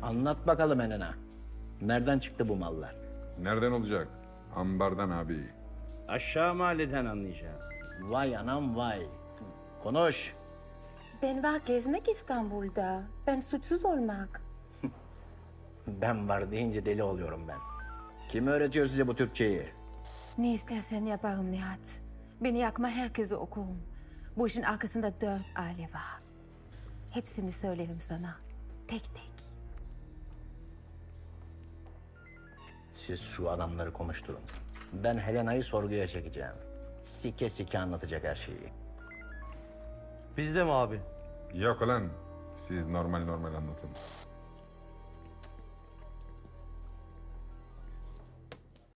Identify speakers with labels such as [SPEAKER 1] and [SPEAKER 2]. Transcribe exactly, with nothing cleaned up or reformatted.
[SPEAKER 1] Anlat bakalım Elena. Nereden çıktı bu mallar?
[SPEAKER 2] Nereden olacak? Ambardan abi.
[SPEAKER 3] Aşağı mahalleden anlayacağım.
[SPEAKER 1] Vay anam vay. Konuş.
[SPEAKER 4] Ben var gezmek İstanbul'da. Ben suçsuz olmak.
[SPEAKER 1] Ben var deyince deli oluyorum ben. Kim öğretiyor size bu Türkçeyi?
[SPEAKER 4] Ne istersen yaparım Nihat. Beni yakma herkese okurum. Bu işin arkasında dört aile var. Hepsini söylerim sana. Tek tek.
[SPEAKER 1] Siz şu adamları konuşturun. Ben Helena'yı sorguya çekeceğim. Sike sike anlatacak her şeyi.
[SPEAKER 5] Biz de mi abi?
[SPEAKER 2] Yok lan. Siz normal normal anlatın.